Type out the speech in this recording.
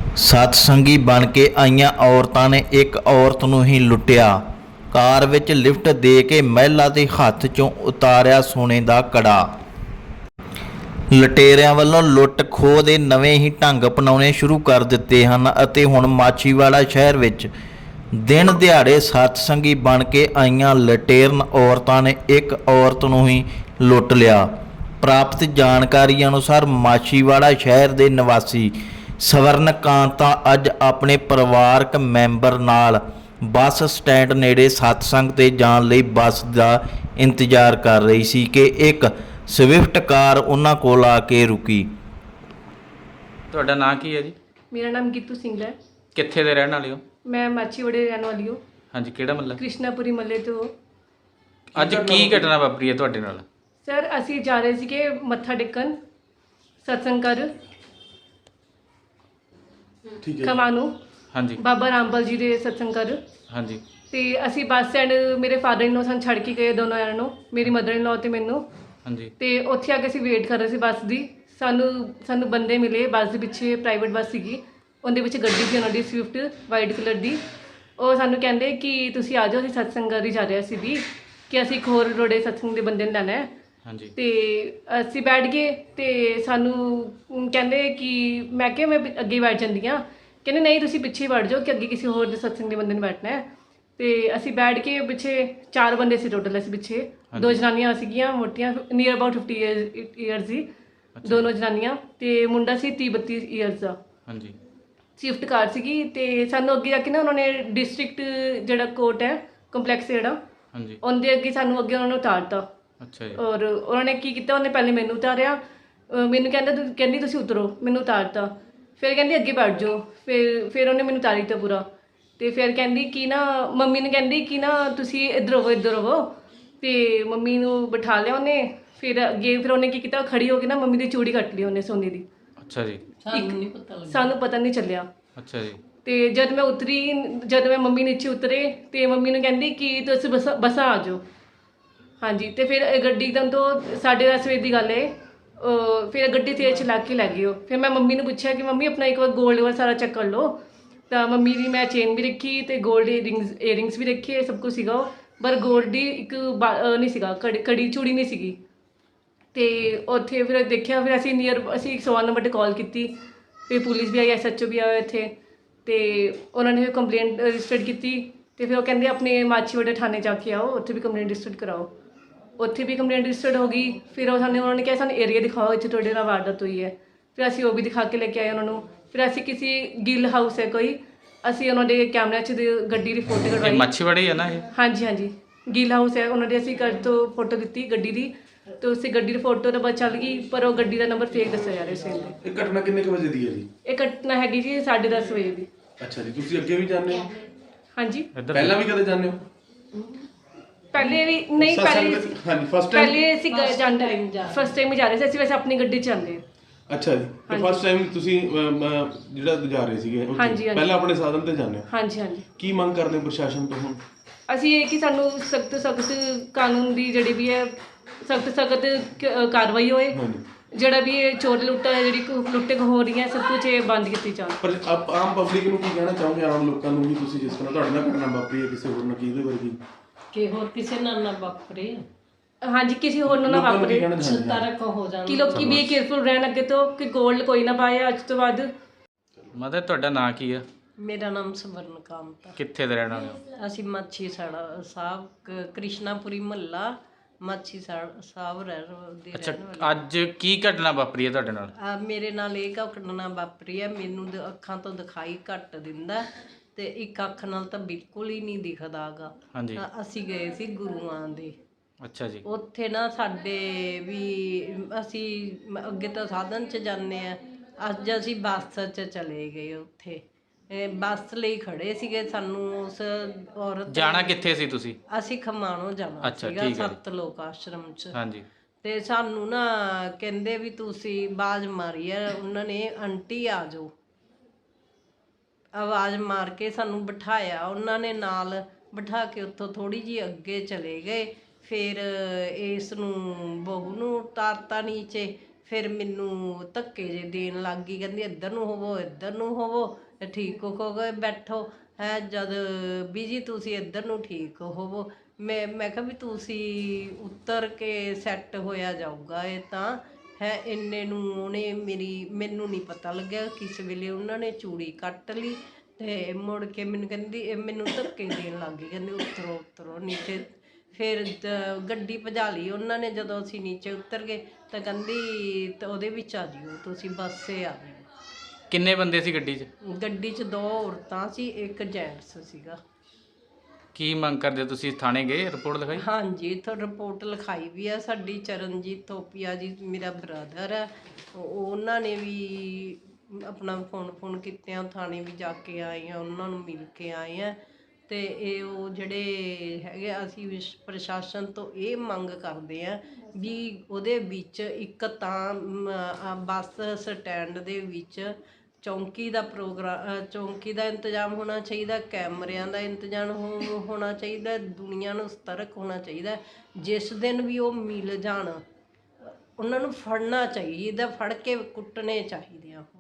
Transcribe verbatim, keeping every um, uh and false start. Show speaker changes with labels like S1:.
S1: सतसंगी बन के आईयां औरतां ने एक औरत नूं ही लुੱਟਿਆ। कार विच लिफ्ट दे के महिला दे हत्थ चों उतारिया सोने दा कड़ा। ਲਟੇਰਿਆਂ ਵੱਲੋਂ ਲੁੱਟ ਖੋਹ ਦੇ ਨਵੇਂ ਹੀ ਢੰਗ ਅਪਣਾਉਣੇ ਸ਼ੁਰੂ ਕਰ ਦਿੱਤੇ ਹਨ ਅਤੇ ਹੁਣ ਮਾਛੀਵਾੜਾ ਸ਼ਹਿਰ ਵਿੱਚ ਦਿਨ ਦਿਹਾੜੇ ਸਤਸੰਗੀ ਬਣ ਕੇ ਆਈਆਂ ਲਟੇਰਨ ਔਰਤਾਂ ਨੇ ਇੱਕ ਔਰਤ ਨੂੰ ਹੀ ਲੁੱਟ ਲਿਆ। ਪ੍ਰਾਪਤ ਜਾਣਕਾਰੀ ਅਨੁਸਾਰ ਮਾਛੀਵਾੜਾ ਸ਼ਹਿਰ ਦੇ ਨਿਵਾਸੀ ਸਵਰਨ ਕਾਂਤਾ ਅੱਜ ਆਪਣੇ ਪਰਿਵਾਰਕ ਮੈਂਬਰ ਨਾਲ ਬੱਸ ਸਟੈਂਡ ਨੇੜੇ ਸਤਸੰਗ ਤੇ ਜਾਣ ਲਈ ਬੱਸ ਦਾ ਇੰਤਜ਼ਾਰ ਕਰ ਰਹੀ ਸੀ ਕਿ ਇੱਕ ਸਵਿਫਟ ਕਾਰ ਉਹਨਾਂ ਕੋਲ ਆ ਕੇ ਰੁਕੀ।
S2: ਤੁਹਾਡਾ ਨਾਂ ਕੀ ਹੈ ਜੀ?
S3: ਮੇਰਾ ਨਾਮ ਗੀਤੂ ਸਿੰਘ ਹੈ।
S2: ਕਿੱਥੇ ਦੇ ਰਹਿਣ ਵਾਲੇ ਹੋ?
S3: ਮੈਂ ਮਾਛੀਵਾੜੇ ਰਹਿਣ ਵਾਲੀ ਹਾਂ।
S2: ਹਾਂਜੀ, ਕਿਹੜਾ ਮਹੱਲਾ?
S3: ਕ੍ਰਿਸ਼ਨਾਪੁਰੀ ਮਹੱਲੇ ਤੋਂ।
S2: ਅੱਜ ਕੀ ਘਟਨਾ ਵਾਪਰੀ ਹੈ ਤੁਹਾਡੇ ਨਾਲ?
S3: ਸਰ ਅਸੀਂ ਜਾ ਰਹੇ ਸੀਗੇ ਮੱਥਾ ਟੇਕਣ ਸਤਸੰਗ ਕਰ
S2: ਠੀਕ ਹੈ
S3: ਖਮਾਣੋਂ।
S2: ਹਾਂਜੀ
S3: ਬਾਬਾ ਰਾਮਪਾਲ ਜੀ ਦੇ ਸਤਸੰਗ ਕਰ।
S2: ਹਾਂਜੀ
S3: ਤੇ ਅਸੀਂ ਬੱਸ ਸਟੈਂਡ ਮੇਰੇ ਫਾਦਰ ਇਨ ਲੋ ਸਾਨੂੰ ਛੱਡ ਕੇ ਗਏ ਦੋਨੋਂ ਜਣਿਆਂ ਨੂੰ, ਮੇਰੀ ਮਦਰ ਇਨ ਲੋ ਤੇ ਮੈਨੂੰ।
S2: ਹਾਂਜੀ
S3: ਤੇ ਉੱਥੇ ਆ ਕੇ ਅਸੀਂ ਵੇਟ ਕਰ ਰਹੇ ਸੀ ਬੱਸ ਦੀ। ਸਾਨੂੰ ਸਾਨੂੰ ਬੰਦੇ ਮਿਲੇ ਬੱਸ ਦੇ ਪਿੱਛੇ, ਪ੍ਰਾਈਵੇਟ ਬੱਸ ਸੀਗੀ, ਉਹਦੇ ਵਿੱਚ ਗੱਡੀ ਸੀ ਉਹਨਾਂ ਦੀ ਸਵਿਫਟ ਵਾਈਟ ਕਲਰ ਦੀ। ਉਹ ਸਾਨੂੰ ਕਹਿੰਦੇ ਕਿ ਤੁਸੀਂ ਆ ਜਾਓ, ਅਸੀਂ ਸਤਸੰਗ ਕਰ ਹੀ ਜਾ ਰਹੇ ਸੀ ਵੀ ਕਿ ਅਸੀਂ ਇੱਕ ਹੋਰ ਰੋੜੇ ਸਤਸੰਗ ਦੇ ਬੰਦੇ ਨੂੰ ਲੈਣਾ ਹੈ।
S2: ਹਾਂਜੀ
S3: ਤੇ ਅਸੀਂ ਬੈਠ ਗਏ ਤੇ ਸਾਨੂੰ ਕਹਿੰਦੇ ਕਿ ਮੈਂ ਕਿਹਾ ਮੈਂ ਅੱਗੇ ਬੈਠ ਜਾਂਦੀ ਹਾਂ। ਕਹਿੰਦੇ ਨਹੀਂ ਤੁਸੀਂ ਪਿੱਛੇ ਬੈਠ ਜਾਓ ਕਿ ਅੱਗੇ ਕਿਸੇ ਹੋਰ ਦੇ ਸਤਸੰਗ ਦੇ ਬੰਦੇ ਨੇ ਬੈਠਣਾ ਹੈ। ਤੇ ਅਸੀਂ ਬੈਠ ਕੇ ਪਿੱਛੇ ਚਾਰ ਬੰਦੇ ਸੀ ਟੋਟਲ, ਅਸੀਂ ਪਿੱਛੇ ਦੋ ਜਨਾਨੀਆਂ ਸੀਗੀਆਂ ਮੋਟੀਆਂ, ਨੀਅਰ ਅਬਾਊਟ ਫਿਫਟੀ ਈਅਰਸ ਦੀ ਦੋਨੋਂ ਜਨਾਨੀਆਂ, ਤੇ ਮੁੰਡਾ ਸੀ ਤੀਹ ਬੱਤੀ ਈਅਰਸ ਦਾ।
S2: ਹਾਂਜੀ
S3: ਸਵਿਫਟ ਕਾਰ ਸੀਗੀ। ਤੇ ਸਾਨੂੰ ਅੱਗੇ ਜਾ ਕੇ ਨਾ ਉਹਨਾਂ ਨੇ ਡਿਸਟ੍ਰਿਕਟ ਜਿਹੜਾ ਕੋਰਟ ਹੈ ਕੰਪਲੈਕਸ ਜਿਹੜਾ,
S2: ਹਾਂਜੀ
S3: ਉਹਦੇ ਅੱਗੇ ਸਾਨੂੰ ਅੱਗੇ ਉਹਨਾਂ ਨੂੰ ਉਤਾਰਤਾ।
S2: ਅੱਛਾ ਜੀ।
S3: ਔਰ ਉਹਨਾਂ ਨੇ ਕੀ ਕੀਤਾ, ਉਹਨੇ ਪਹਿਲੇ ਮੈਨੂੰ ਉਤਾਰਿਆ, ਅਹ ਮੈਨੂੰ ਕਹਿੰਦਾ ਤੂੰ ਕਹਿੰਦੀ ਤੁਸੀਂ ਉਤਰੋ, ਮੈਨੂੰ ਉਤਾਰਤਾ। ਫਿਰ ਕਹਿੰਦੀ ਅੱਗੇ ਬੈਠ ਜਾਓ। ਫਿਰ ਫਿਰ ਉਹਨੇ ਮੈਨੂੰ ਉਤਾਰੀ ਤਾ ਪੂਰਾ। ਤੇ ਫਿਰ ਕਹਿੰਦੀ ਕਿ ਨਾ ਮੰਮੀ ਨੂੰ ਕਹਿੰਦੀ ਕਿ ਨਾ ਤੁਸੀਂ ਇੱਧਰ ਹੋਵੋ ਇੱਧਰ ਹੋਵੋ। ਤੇ ਮੰਮੀ ਨੂੰ ਬਿਠਾ ਲਿਆ ਉਹਨੇ। ਫਿਰ ਅੱਗੇ ਫਿਰ ਉਹਨੇ ਕੀ ਕੀਤਾ, ਖੜੀ ਹੋ ਕੇ ਨਾ ਮੰਮੀ ਦੀ ਚੂੜੀ ਕੱਟ ਲਈ ਉਹਨੇ ਸੋਨੇ ਦੀ।
S2: ਅੱਛਾ ਜੀ।
S3: ਸਾਨੂੰ ਪਤਾ ਨਹੀਂ ਚੱਲਿਆ।
S2: ਅੱਛਾ ਜੀ।
S3: ਤੇ ਜਦ ਮੈਂ ਉਤਰੀ, ਜਦ ਮੈਂ ਮੰਮੀ ਨੀਚੇ ਉਤਰੇ ਤੇ ਮੰਮੀ ਨੂੰ ਕਹਿੰਦੀ ਕਿ ਤੁਸੀਂ ਬਸ ਬੱਸਾਂ ਆ ਜਾਓ। ਹਾਂਜੀ। ਤੇ ਫਿਰ ਗੱਡੀ ਇੱਕਦਮ ਤੋਂ ਸਾਢੇ ਦਸ ਵਜੇ ਦੀ ਗੱਲ ਹੈ। ਫਿਰ ਗੱਡੀ ਤੇਜ਼ ਚਲਾ ਕੇ ਲੈ ਗਈ ਉਹ। ਫਿਰ ਮੈਂ ਮੰਮੀ ਨੂੰ ਪੁੱਛਿਆ ਕਿ ਮੰਮੀ ਆਪਣਾ ਇੱਕ ਵਾਰ ਗੋਲਡ ਵਾਲਾ ਸਾਰਾ ਚੈੱਕ ਕਰ ਲਓ। ਤਾਂ ਮੰਮੀ ਦੀ ਮੈਂ ਚੇਨ ਵੀ ਰੱਖੀ ਤੇ ਗੋਲਡ ਈਅਰਿੰਗਸ ਈਅਰਿੰਗਸ ਵੀ ਰੱਖੇ, ਸਭ ਕੁਝ ਸੀਗਾ ਉਹ। ਪਰ ਗੋਲਡ ਦੀ ਇੱਕ ਨਹੀਂ ਸੀਗਾ, ਕੜੀ ਕੜੀ ਚੂੜੀ ਨਹੀਂ ਸੀਗੀ। ਤੇ ਉੱਥੇ ਫਿਰ ਦੇਖਿਆ, ਫਿਰ ਅਸੀਂ ਨੀਅਰ ਅਸੀਂ ਇੱਕ ਸੌ ਨੰਬਰ 'ਤੇ ਕਾਲ ਕੀਤੀ। ਫਿਰ ਪੁਲਿਸ ਵੀ ਆਈ, ਐਸ ਐਚ ਓ ਵੀ ਆਇਆ ਇੱਥੇ। ਤੇ ਉਹਨਾਂ ਨੇ ਫਿਰ ਕੰਪਲੇਂਟ ਰਜਿਸਟਰਡ ਕੀਤੀ। ਤੇ ਫਿਰ ਉਹ ਕਹਿੰਦੇ ਆਪਣੇ ਮਾਛੀਵਾੜਾ ਥਾਣੇ ਜਾ ਕੇ ਆਓ, ਉੱਥੇ ਵੀ ਕੰਪਲੇਂਟ ਰਜਿਸਟਰਡ ਕਰਾਓ। ਉੱਥੇ ਵੀ ਕੰਪਲੇਂਟ ਰਜਿਸਟਰਡ ਹੋ ਗਈ। ਫਿਰ ਉਹ ਸਾਨੂੰ ਉਹਨਾਂ ਨੇ ਕਿਹਾ ਸਾਨੂੰ ਏਰੀਆ ਦਿਖਾਓ ਇੱਥੇ ਤੁਹਾਡੇ ਨਾਲ ਵਾਰਦਾਤ ਹੋਈ ਹੈ। ਫਿਰ ਅਸੀਂ ਉਹ ਵੀ ਦਿਖਾ ਕੇ ਲੈ ਕੇ ਆਏ ਉਹਨਾਂ ਨੂੰ। ਫਿਰ ਅਸੀਂ ਕਿਸੇ ਗਿੱਲ ਹਾਊਸ ਹੈ ਕੋਈ, ਅਸੀਂ ਉਹਨਾਂ ਦੇ ਕੈਮਰਿਆਂ 'ਚ ਗੱਡੀ ਦੀ ਫੋਟੋ ਕਢਵਾਈ।
S2: ਮਾਛੀਵਾੜਾ ਹੀ ਹੈ ਨਾ ਇਹ?
S3: ਹਾਂਜੀ ਹਾਂਜੀ, ਗਿੱਲ ਹਾਊਸ ਹੈ ਉਹਨਾਂ ਦੇ। ਅਸੀਂ ਘਰ ਤੋਂ ਫੋਟੋ ਦਿੱਤੀ ਗੱਡੀ ਦੀ, ਤੇ ਉਸੇ ਗੱਡੀ ਦੀ ਫੋਟੋ ਤਾਂ ਬਸ ਚੱਲ ਗਈ, ਪਰ ਉਹ ਗੱਡੀ ਦਾ ਨੰਬਰ ਫੇਕ ਦੱਸਿਆ ਜਾ ਰਿਹਾ ਸੀ।
S4: ਇਹ ਘਟਨਾ ਕਿੰਨੇ ਕੁ ਵਜੇ ਦੀ ਹੈ ਜੀ?
S3: ਇਹ ਘਟਨਾ ਹੈਗੀ ਜੀ ਸਾਢੇ ਦਸ ਵਜੇ ਦੀ।
S4: ਅੱਛਾ ਜੀ। ਤੁਸੀਂ ਅੱਗੇ ਵੀ ਜਾਂਦੇ ਹੋ?
S3: ਹਾਂਜੀ।
S4: ਪਹਿਲਾਂ ਵੀ ਕਦੇ ਜਾਂਦੇ ਹੋ?
S3: ਪਹਿਲੇ ਵੀ ਨਹੀਂ, ਪਹਿਲੇ
S4: ਹਾਂਜੀ ਫਸਟ ਟਾਈਮ?
S3: ਪਹਿਲੇ ਅਸੀਂ ਜਾਂਦੇ ਫਸਟ ਟਾਈਮ ਹੀ ਜਾ ਰਹੇ ਸੀ ਅਸੀਂ, ਵੈਸੇ ਆਪਣੀ ਗੱਡੀ 'ਚ ਜਾਂਦੇ ਹਾਂ।
S4: ਅੱਛਾ ਜੀ। ਤੇ ਫਸਟ ਟਾਈਮ ਤੁਸੀਂ ਅਮ, ਅਮ, ਜਿਹੜਾ ਜਾ ਰਹੇ ਸੀਗੇ ਉੱਥੇ,
S3: ਹਾਂਜੀ, ਹਾਂਜੀ।
S4: ਪਹਿਲਾਂ ਆਪਣੇ ਸਾਧਨ ਤੇ ਜਾਂਦੇ ਹੋ?
S3: ਹਾਂਜੀ ਹਾਂਜੀ।
S4: ਕੀ ਮੰਗ ਕਰਦੇ ਹੋ ਪ੍ਰਸ਼ਾਸਨ ਤੋਂ ਹੁਣ?
S3: ਅਸੀਂ ਇਹ ਕਿ ਸਾਨੂੰ ਸਖਤ ਸਖਤ ਕਾਨੂੰਨ ਦੀ ਜਿਹੜੀ ਵੀ ਹੈ ਸਖਤ ਸਖਤ ਕਾਰਵਾਈ ਹੋਏ।
S4: ਹਾਂਜੀ।
S3: ਜਿਹੜਾ ਵੀ ਇਹ ਚੋਰ ਲੁੱਟਾ ਹੈ, ਜਿਹੜੀ ਲੁੱਟੇ ਹੋ ਰਹੀ ਹੈ, ਸਭ ਕੁਝ ਇਹ ਬੰਦ ਕੀਤੀ ਜਾਵੇ।
S4: ਪਰ ਆਪ ਆਮ ਪਬਲਿਕ ਨੂੰ ਕੀ ਕਹਿਣਾ ਚਾਹੋਗੇ, ਆਮ ਲੋਕਾਂ ਨੂੰ ਵੀ? ਤੁਸੀਂ ਜਿਸ ਤਰ੍ਹਾਂ ਤੁਹਾਡੇ ਨਾਲ ਘਟਨਾ ਵਾਪਰੀ ਹੈ ਕਿਸੇ ਹੋਰ ਨਾਲ, ਕੀ ਇਹਦੇ ਵਰਗੀ
S5: ਕਿ ਹੋਰ ਕਿਸੇ ਨਾਲ ਨਾ ਵਾਪਰੇ।
S3: ਹਾਂਜੀ, ਕਿਸੇ ਹੋਰ ਨੂੰ ਨਾ
S4: ਲੋਕਾਂ ਨੂੰ ਕੀ
S3: ਵਾਪਰੇ।
S4: ਕਹਿਣਾ ਚਾਹੁੰਦੇ ਹੋ?
S5: ਤਰਕ ਹੋ ਜਾਣ
S3: ਕਿ ਲੋਕੀ ਵੀ ਕੇਅਰਫੁਲ ਰਹਿਣ ਅੱਗੇ ਤੋਂ, ਕਿ ਗੋਲਡ ਕੋਈ ਨਾ ਪਾਏ ਅੱਜ ਤੋਂ ਬਾਅਦ।
S2: ਮਦਰ ਤੁਹਾਡਾ ਨਾਂ ਕੀ ਆ?
S5: ਮੇਰਾ ਨਾਮ ਸਵਰਨ ਕਾਂਤਾ।
S2: ਕਿੱਥੇ ਦੇ ਰਹਿਣ ਵਾਲੇ ਹੋ?
S5: ਅਸੀਂ ਮਾਛੀ ਸਾੜਾ ਸਾਹਿਬ ਕ- ਕ੍ਰਿਸ਼ਨਾਪੁਰੀ ਮਹੱਲਾ ਮਾਛੀ ਸਾੜ- ਸਾਹਿਬ ਰਹਿ ਦੇ
S2: ਅੱਛਾ,
S5: ਰਹਿਣ ਵਾਲੇ।
S2: ਅੱਜ ਕੀ ਘਟਨਾ ਵਾਪਰੀ ਹੈ ਤੁਹਾਡੇ ਨਾਲ?
S5: ਆ ਮੇਰੇ ਨਾਲ ਇਹ ਘਟਨਾ ਵਾਪਰੀ ਹੈ। ਮੈਨੂੰ ਦ- ਅੱਖਾਂ ਤੋਂ ਦਿਖਾਈ ਘੱਟ ਦਿੰਦਾ ਤੇ ਇੱਕ ਅੱਖ ਨਾਲ ਤਾਂ ਬਿਲਕੁਲ ਹੀ ਨਹੀਂ ਦਿਖਦਾ ਗਾ।
S2: ਹਾਂਜੀ।
S5: ਤਾਂ ਅਸੀਂ ਗਏ ਸੀ ਗੁਰੂਆਂ ਦੇ।
S2: ਅੱਛਾ ਜੀ।
S5: ਉੱਥੇ ਨਾ ਸਾਡੇ ਵੀ ਅਸੀਂ ਮ- ਅੱਗੇ ਤਾਂ ਸਾਧਨ 'ਚ ਜਾਂਦੇ ਆ, ਅੱਜ ਅਸੀਂ ਬੱਸ 'ਚ ਚਲੇ ਗਏ। ਉੱਥੇ ਇਹ ਬੱਸ ਲਈ ਖੜੇ ਸੀਗੇ। ਸਾਨੂੰ ਉਸ ਔਰਤ
S2: ਜਾਣਾ ਕਿੱਥੇ ਸੀ ਤੁਸੀਂ?
S5: ਅਸੀਂ ਖਮਾਣੋਂ ਜਾਣਾ
S2: ਅੱਛਾ,
S5: ਸੀਗਾ
S2: ਠੀਕ ਹੈ ਜੀ।
S5: ਸੱਤ ਲੋਕ ਆਸ਼ਰਮ 'ਚ।
S2: ਹਾਂਜੀ।
S5: ਤੇ ਸਾਨੂੰ ਨਾ ਕਹਿੰਦੇ ਵੀ ਤੁਸੀਂ ਆਵਾਜ਼ ਮਾਰੀ ਹੈ ਉਹਨਾਂ ਨੇ, ਆਂਟੀ ਆ ਜਾਓ। ਆਵਾਜ਼ ਮਾਰ ਕੇ ਸਾਨੂੰ ਬਿਠਾਇਆ ਉਹਨਾਂ ਨੇ, ਨਾਲ ਬਿਠਾ ਕੇ ਉੱਥੋਂ ਥੋੜ੍ਹੀ ਜਿਹੀ ਅੱਗੇ ਚਲੇ ਗਏ। ਫਿਰ ਇਸ ਨੂੰ ਬਹੂ ਨੂੰ ਉਤਾਰਤਾ ਨੀਚੇ। ਫਿਰ ਮੈਨੂੰ ਧੱਕੇ ਜੇ ਦੇਣ ਲੱਗ ਗਈ, ਕਹਿੰਦੀ ਇੱਧਰ ਨੂੰ ਹੋਵੋ ਇੱਧਰ ਨੂੰ ਹੋਵੋ, ਤੇ ਠੀਕ ਹੋ ਗਏ ਬੈਠੋ ਹੈ। ਜਦ ਵੀ ਜੀ ਤੁਸੀਂ ਇੱਧਰ ਨੂੰ ਠੀਕ ਹੋਵੋ, ਮੈਂ ਮੈਂ ਕਿਹਾ ਵੀ ਤੁਸੀਂ ਉੱਤਰ ਕੇ ਸੈੱਟ ਹੋਇਆ ਜਾਊਗਾ ਇਹ ਤਾਂ ਹੈ। ਇੰਨੇ ਨੂੰ ਉਹਨੇ ਮੇਰੀ ਮੈਨੂੰ ਨਹੀਂ ਪਤਾ ਲੱਗਿਆ ਕਿਸ ਵੇਲੇ ਉਹਨਾਂ ਨੇ ਚੂੜੀ ਕੱਟ ਲਈ ਤੇ ਮੁੜ ਕੇ ਮੈਨੂੰ ਕਹਿੰਦੀ ਇਹ ਮੈਨੂੰ ਧੱਕੇ ਦੇਣ ਲੱਗ ਗਈ, ਕਹਿੰਦੀ ਉਤਰੋ ਉਤਰੋ ਨੀਚੇ। ਫਿਰ ਦ- ਗੱਡੀ ਭਜਾ ਲਈ ਉਹਨਾਂ ਨੇ। ਜਦੋਂ ਅਸੀਂ ਨੀਚੇ ਉਤਰ ਗਏ ਤਾਂ ਕਹਿੰਦੀ ਤਾਂ ਉਹਦੇ ਵਿੱਚ ਆ ਜਿਓ ਤੁਸੀਂ, ਬੱਸੇ ਆ ਜਿਓ।
S2: ਕਿੰਨੇ ਬੰਦੇ ਸੀ ਗੱਡੀ 'ਚ?
S5: ਗੱਡੀ 'ਚ ਦੋ ਔਰਤਾਂ ਸੀ, ਇੱਕ ਜੈਂਟਸ ਸੀਗਾ।
S2: ਕੀ ਮੰਗ ਕਰਦੇ ਹੋ ਤੁਸੀਂ? ਥਾਣੇ ਗਏ, ਰਿਪੋਰਟ ਲਿਖਾਈ?
S5: ਹਾਂਜੀ, ਇੱਥੋਂ ਰਿਪੋਰਟ ਲਿਖਾਈ ਵੀ ਆ। ਸਾਡੀ ਚਰਨਜੀਤ ਥੋਪੀਆ ਜੀ ਮੇਰਾ ਬ੍ਰਦਰ ਹੈ, ਉਹ- ਉਹਨਾਂ ਨੇ ਵੀ ਆਪਣਾ ਫੋਨ ਫੋਨ ਕੀਤੇ ਆ, ਥਾਣੇ ਵੀ ਜਾ ਕੇ ਆਏ ਆ, ਉਹਨਾਂ ਨੂੰ ਮਿਲ ਕੇ ਆਏ ਆ। ਤੇ ਇਹ ਉਹ ਜਿਹੜੇ ਹੈਗੇ ਆ, ਅਸੀਂ ਵਿਸ਼- ਪ੍ਰਸ਼ਾਸਨ ਤੋਂ ਇਹ ਮੰਗ ਕਰਦੇ ਆ ਵੀ ਉਹਦੇ ਵਿੱਚ ਇੱਕ ਤਾਂ ਮ, ਆ ਬੱਸ ਸਟੈਂਡ ਦੇ ਵਿੱਚ ਚੌਂਕੀ ਦਾ ਪ੍ਰੋਗਰਾਮ ਚੌਂਕੀ ਦਾ ਇੰਤਜ਼ਾਮ ਹੋਣਾ ਚਾਹੀਦਾ, ਕੈਮਰਿਆਂ ਦਾ ਇੰਤਜ਼ਾਮ ਹੋ- ਹੋਣਾ ਚਾਹੀਦਾ, ਦੁਨੀਆ ਨੂੰ ਸਤਰਕ ਹੋਣਾ ਚਾਹੀਦਾ। ਜਿਸ ਦਿਨ ਵੀ ਉਹ ਮਿਲ ਜਾਣ ਉਹਨਾਂ ਨੂੰ ਫੜਨਾ ਚਾਹੀਦਾ, ਫੜ ਕੇ ਕੁੱਟਣੇ ਚਾਹੀਦੇ ਆ।